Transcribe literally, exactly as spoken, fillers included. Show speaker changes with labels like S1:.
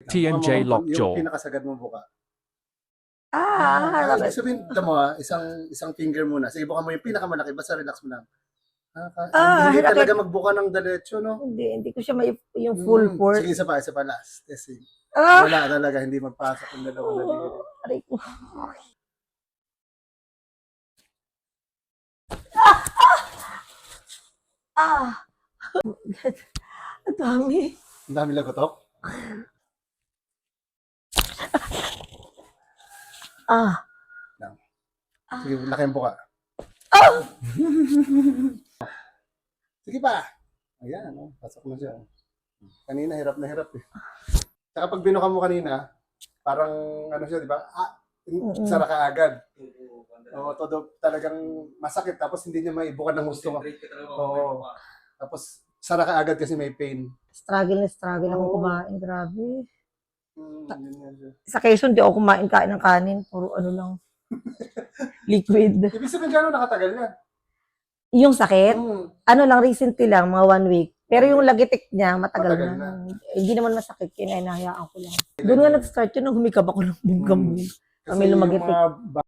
S1: T M J
S2: Yung
S1: Lockjaw.
S2: pinakasagad mo buka.
S3: Ah,
S2: Ah,
S3: harap.
S2: ibig sabihin, ito mo ah, isang, isang finger muna. Sige, buka mo yung pinakamalaki. Basta relax mo lang. Ah, ka-
S3: Ah,
S2: hindi
S3: hirap-
S2: talaga magbuka ng diretso, no?
S3: Hindi, hindi ko siya may yung full
S2: Mm,
S3: force.
S2: Sige, isa pa, isa pa last. Testing.
S3: Ah!
S2: Wala talaga, hindi magpasok yung dalawang daliri.
S3: Oh, aray ko. Ah! Ah! Ang dami.
S2: Ang dami lagotok.
S3: Ah!
S2: Sige, laki ang buka.
S3: Ah!
S2: Sige pa. Ayan, oh, pasok na siya. Kanina, hirap na hirap eh. Saka pag binuka mo kanina, parang ano siya, di ba? Ah,
S3: Mm-mm.
S2: sara ka agad. Oo, todo talagang masakit tapos hindi niya maibukan ng gusto mo. Oo. Tapos sara ka agad kasi may pain.
S3: Struggle na struggle akong
S2: Oo.
S3: kumain. Grabe.
S2: Hmm, yun nga siya.
S3: Sa Quezon, di ako kumain kain ng kanin. Puro ano lang. Liquid.
S2: Ibig sabihin gano'n nakatagal yan?
S3: Yung sakit,
S2: Hmm.
S3: ano lang, recently lang, mga one week. Pero yung lagitik niya, matagal,
S2: Matagal
S3: na.
S2: na.
S3: Hindi naman masakit, kaya hinahayaan ko lang. Doon nga nag-start yun, nung humikab ako ng bugam.
S2: Hmm.
S3: Kami lumagitik.
S2: yung mga